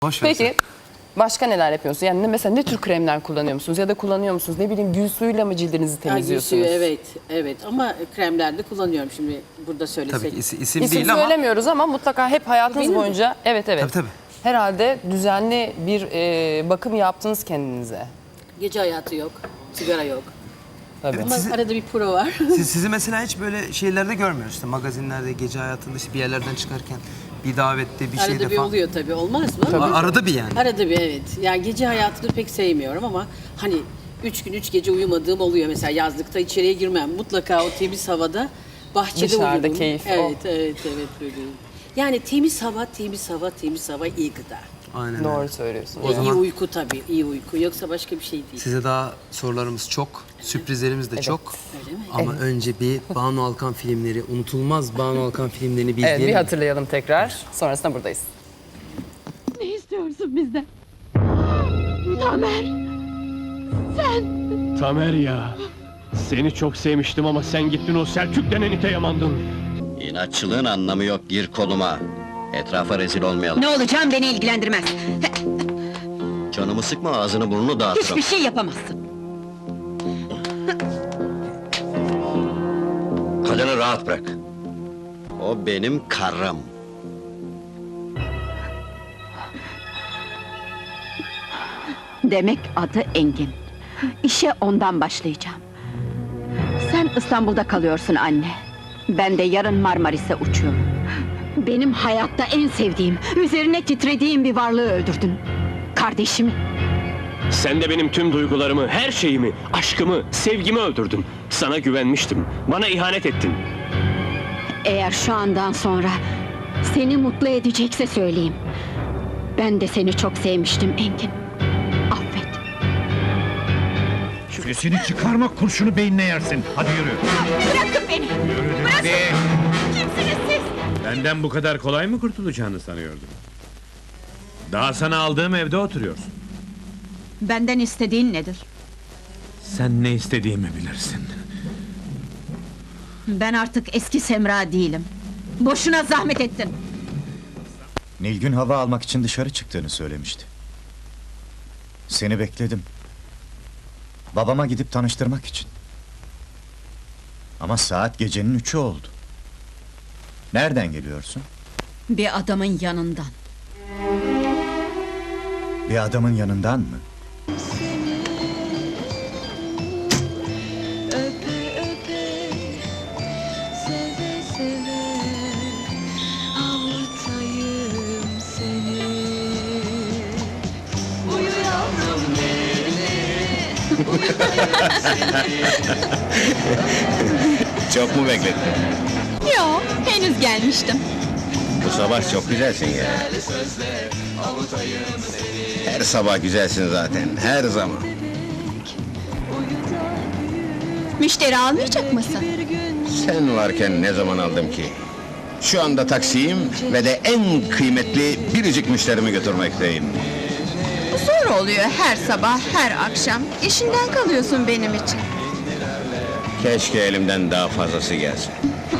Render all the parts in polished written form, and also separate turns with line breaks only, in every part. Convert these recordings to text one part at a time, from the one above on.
Boş ver
Peki
sen.
başka neler yapıyorsunuz? Yani mesela ne tür kremler kullanıyor musunuz? Ya da kullanıyor musunuz? Ne bileyim gül suyuyla mı cildinizi temizliyorsunuz?
Evet ama kremlerde kullanıyorum şimdi burada söylesek.
Tabii ki isim
İsim
değil ama
söylemiyoruz ama mutlaka hep hayatınız
Benim mi?
boyunca evet.
Tabii.
Herhalde düzenli bir bakım yaptınız kendinize.
Gece hayatı yok, sigara yok.
Tabii.
Ama
Sizi-
arada bir pro var.
sizi mesela hiç böyle şeylerde görmüyoruz. İşte magazinlerde, gece hayatında işte bir yerlerden çıkarken bir davette, bir şeyde
Arada bir
falan.
oluyor tabii, olmaz mı?
Arada bir yani.
Arada bir evet. Yani gece hayatını pek sevmiyorum ama hani 3 gün 3 gece uyumadığım oluyor. Mesela yazlıkta içeriye girmem. Mutlaka o temiz havada bahçede
Dışarıda
uyurum.
keyif,
Evet böyle. Yani temiz hava iyi gıda.
Aynen
Doğru
öyle.
söylüyorsunuz.
O zaman-
İyi uyku tabii, iyi uyku. Yoksa başka bir şey değil.
Size daha sorularımız çok, sürprizlerimiz de çok.
Öyle mi?
Ama önce bir Banu Alkan filmleri, unutulmaz Banu Alkan filmlerini bir
Evet, bir
izleyelim.
hatırlayalım tekrar. Sonrasında buradayız.
Ne istiyorsun bizden? Tamer! Sen!
Tamer ya. Seni çok sevmiştim ama sen gittin o Selçuk denen ite yamandın.
İnatçılığın anlamı yok, gir koluma. Etrafa rezil olmayalım.
Ne olacağım beni ilgilendirmez.
Canımı sıkma, ağzını burnunu dağıtırım.
Hiçbir şey yapamazsın.
Kadını rahat bırak. O benim karım.
Demek adı Engin. İşe ondan başlayacağım. Sen İstanbul'da kalıyorsun anne. Ben de yarın Marmaris'e uçuyorum. Benim hayatta en sevdiğim, üzerine titrediğim bir varlığı öldürdün. Kardeşimi.
Sen de benim tüm duygularımı, her şeyimi, aşkımı, sevgimi öldürdün. Sana güvenmiştim, bana ihanet ettin.
Eğer şu andan sonra seni mutlu edecekse söyleyeyim. Ben de seni çok sevmiştim Engin. Affet.
Sesini çıkarma, kurşunu beynine yersin. Hadi yürü.
Bırakın beni!
Yürü hadi.
Kimsiniz siz?
Benden bu kadar kolay mı kurtulacağını sanıyordun? Daha sana aldığım evde oturuyorsun.
Benden istediğin nedir?
Sen ne istediğimi bilirsin.
Ben artık eski Semra değilim. Boşuna zahmet ettin.
Nilgün hava almak için dışarı çıktığını söylemişti. Seni bekledim. Babama gidip tanıştırmak için. Ama saat gecenin 3'ü oldu. Nereden geliyorsun?
Bir adamın yanından.
Bir adamın yanından mı?
Çok mu bekledin?
Yok, henüz gelmiştim.
Bu sabah çok güzelsin ya. Her sabah güzelsin zaten, her zaman.
Müşteri almayacak mısın?
Sen varken ne zaman aldım ki? Şu anda taksiyim ve de en kıymetli biricik müşterimi götürmekteyim.
Zor oluyor her sabah, her akşam. İşinden kalıyorsun benim için.
Keşke elimden daha fazlası gelse.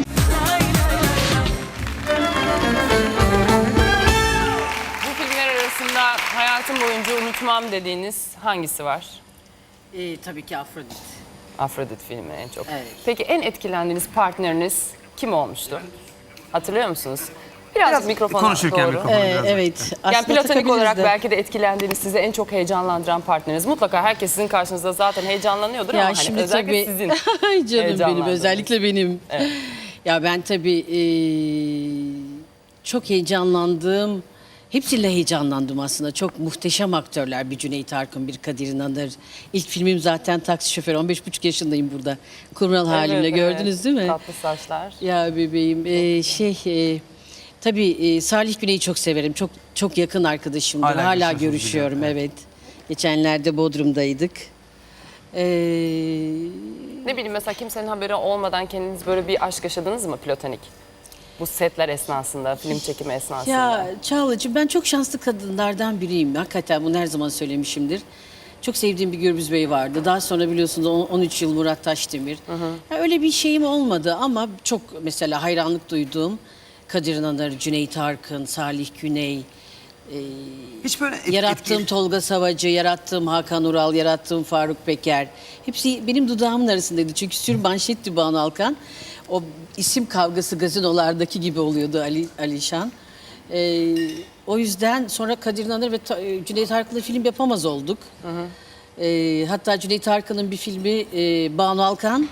Bu filmler arasında hayatım boyunca unutmam dediğiniz hangisi var?
Tabii ki Afrodit.
Afrodit filmi en çok.
Evet.
Peki en etkilendiğiniz partneriniz kim olmuştu? Hatırlıyor musunuz? Biraz mikrofona
konuşurken
doğru.
mikrofonu biraz
Evet.
Yani
aslında
platonik
takabiliriz
olarak
de.
belki de etkilendiğiniz, size en çok heyecanlandıran partneriniz. Mutlaka herkes sizin karşınızda zaten heyecanlanıyordur ama
Ya
hani
şimdi
özellikle
tabii,
sizin.
Ay canım benim,
heyecanlandığınız.
özellikle benim.
Evet.
Ya ben tabii çok heyecanlandım. Hepsiyle heyecanlandım aslında. Çok muhteşem aktörler. Bir Cüneyt Arkın, bir Kadir İnanır. İlk filmim zaten Taksi Şoförü. 15,5 yaşındayım burada. Kumral halimle
Evet,
gördünüz
evet.
değil mi?
Tatlı saçlar.
Ya bebeğim. Tabii Salih Güney'i çok severim. Çok yakın arkadaşımdır.
Hala
Hala
görüşüyorsunuz
görüşüyorum,
biliyorum,
evet. Geçenlerde Bodrum'daydık.
Ne bileyim mesela kimsenin haberi olmadan kendiniz böyle bir aşk yaşadınız mı platonik? Bu setler esnasında, film çekimi esnasında.
Ya Çağla'cığım, ben çok şanslı kadınlardan biriyim. Hakikaten bunu her zaman söylemişimdir. Çok sevdiğim bir Gürbüz Bey vardı. Daha sonra biliyorsunuz 13 yıl Murat Taşdemir. Ya öyle bir şeyim olmadı ama çok mesela hayranlık duyduğum Kadir İnanır, Cüneyt Arkın, Salih Güney,
Hiç böyle
Yarattığım Tolga Savacı, yarattığım Hakan Ural, yarattığım Faruk Peker. Hepsi benim dudağımın arasındaydı. Çünkü sürmanşetti Banu Alkan. O isim kavgası gazinolardaki gibi oluyordu Alişan. O yüzden sonra Kadir İnanır ve Cüneyt Arkın'la film yapamaz olduk. Hatta Cüneyt Arkın'ın bir filmi Banu Alkan,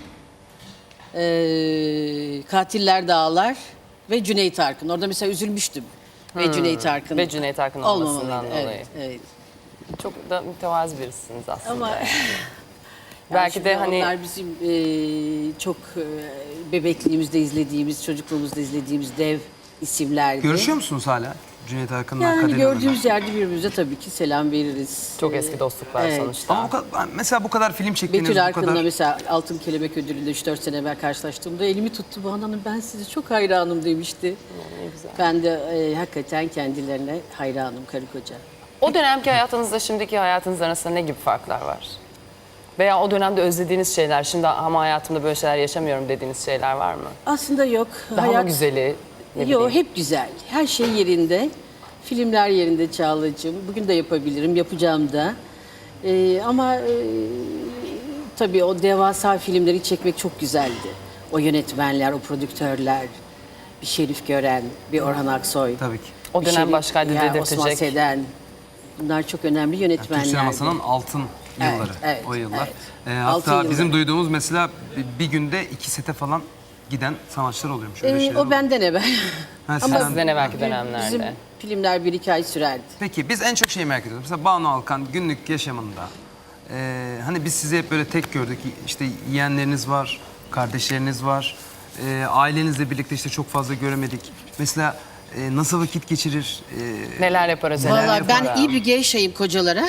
Katiller Dağlar ve Cüneyt Arkın. Orada mesela üzülmüştüm. Ve Cüneyt Arkın.
Ve Cüneyt Arkın olmasından
olmamalıydı.
dolayı.
Evet, evet.
Çok da mütevazı birisiniz aslında.
Ama
Belki de
şimdi
hani
onlar bizim çok bebekliğimizde izlediğimiz, çocukluğumuzda izlediğimiz dev isimlerdi.
Görüşüyor musunuz hala Cüneyt Arkın'la
Yani
Kadir İnanır'la?
gördüğümüz yerde birbirimize tabii ki selam veririz.
çok eski dostluklar
evet.
sonuçta.
Ama mesela bu kadar film çektiğiniz,
Betül
bu
Arkın'la
kadar...
mesela Altın Kelebek Ödülü'nde 3-4 sene evvel karşılaştığımda elimi tuttu. Banu Hanım ben size çok hayranım demişti.
Ne güzel.
Ben de hakikaten kendilerine hayranım karı koca.
O dönemki hayatınızla şimdiki hayatınız arasında ne gibi farklar var? Veya o dönemde özlediğiniz şeyler, şimdi ama hayatımda böyle şeyler yaşamıyorum dediğiniz şeyler var mı?
Aslında yok.
Daha mı güzeli? Ne
Yok
bileyim.
hep güzel. Her şey yerinde. Filmler yerinde Çağla'cığım. Bugün de yapabilirim, yapacağım da. Ama tabii o devasa filmleri çekmek çok güzeldi. O yönetmenler, o prodüktörler, bir Şerif Gören, bir Orhan Aksoy.
Tabii ki.
O
bir
dönem başkaydı
Osman
dedirtecek.
Seden. Bunlar çok önemli
Türk
yönetmenlerdi.
sinemasının altın
Evet,
yılları,
evet,
o yıllar.
evet.
Hatta
Altın
bizim
yılları.
duyduğumuz mesela bir günde 2 sete falan giden sanatçılar oluyormuş. Öyle şeyler
O
oluyor.
benden evvel.
Ha,
Ama
Sizden evvelki dönemlerde.
Bizim filmler 1-2 ay sürerdi.
Peki biz en çok şeyi merak ediyoruz. Mesela Banu Alkan günlük yaşamında, hani biz sizi hep böyle tek gördük. İşte yeğenleriniz var, kardeşleriniz var. Ailenizle birlikte işte çok fazla göremedik. Mesela nasıl vakit geçirir?
Neler yapar acaba?
Vallahi ben
yapar?
iyi bir gevşeyim kocalara.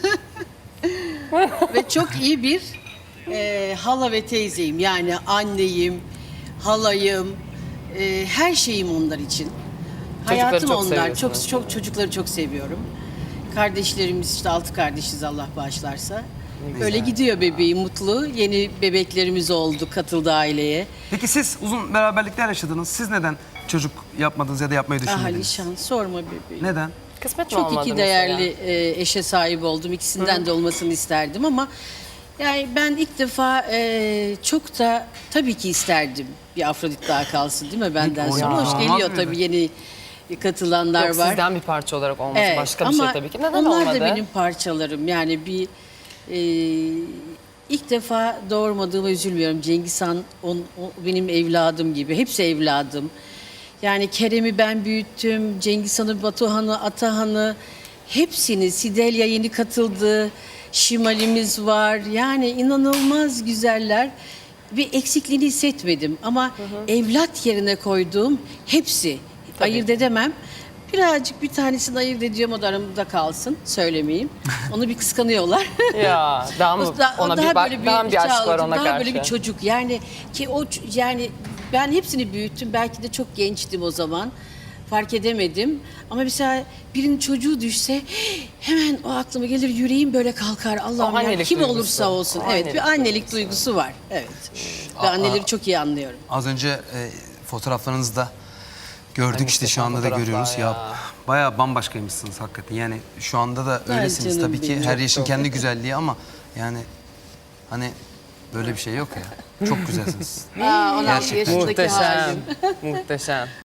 Ve çok iyi bir hala ve teyzeyim. Yani anneyim, halayım, her şeyim onlar için. Hayatım
çok
onlar.
seviyorsunuz.
Çok çocukları çok seviyorum. Kardeşlerimiz işte 6 kardeşiz Allah bağışlarsa. Öyle gidiyor bebeğim mutlu. Yeni bebeklerimiz oldu, katıldı aileye.
Peki siz uzun beraberlikler yaşadınız. Siz neden çocuk yapmadınız ya da yapmayı
Ah
düşünmediniz?
Alişan sorma bebeğim.
Neden?
Kısmet mi
Çok
olmadı
iki
mesela?
değerli eşe sahip oldum. İkisinden de olmasını isterdim ama yani ben ilk defa çok da tabii ki isterdim bir Afrodit daha kalsın değil mi benden
Peki,
sonra.
o
Hoş
olmaz
geliyor
mıydı?
tabii yeni katılanlar
Yok,
var.
sizden bir parça olarak olması
Evet,
başka bir şey
ama
tabii ki. Neden
onlar
olmadı?
da benim parçalarım. Yani bir ilk defa doğurmadığıma üzülmüyorum. Cengiz Han o benim evladım gibi. Hepsi evladım. Yani Kerem'i ben büyüttüm. Cengiz Han'ı, Batuhan'ı, Atahan'ı hepsini. Sidelya yeni katıldı. Şimal'imiz var. Yani inanılmaz güzeller. Bir eksikliğini hissetmedim. Ama evlat yerine koyduğum hepsi. Ayırt edemem. Birazcık bir tanesini ayırt ediyorum, o da aramda kalsın. Söylemeyeyim. Onu bir kıskanıyorlar.
Ya daha mı ona bir bak, daha mı bir aşk var
Çağla'cığım,
ona
daha
karşı?
böyle bir çocuk. Yani ki yani ben hepsini büyüttüm. Belki de çok gençtim o zaman. Fark edemedim. Ama mesela birinin çocuğu düşse hemen o aklıma gelir, yüreğim böyle kalkar. Allah'ım ya
annelik
kim
duygusu.
olursa olsun.
O
Evet,
annelik
bir annelik duygusu var. Evet. Ve anneleri çok iyi anlıyorum.
Az önce fotoğraflarınızda gördük,
Ay,
işte şu
muhteşem
anda da
fotoğraflar
görüyoruz.
ya.
Ya bayağı bambaşkaymışsınız hakikaten. Yani şu anda da öylesiniz
canım
tabii ki.
benim,
Her
çok
yaşın
doğru.
kendi güzelliği ama yani hani böyle bir şey yok ya. Çok güzelsiniz.
16
Gerçekten.
yaşındaki halim.
Muhteşem. Muhteşem.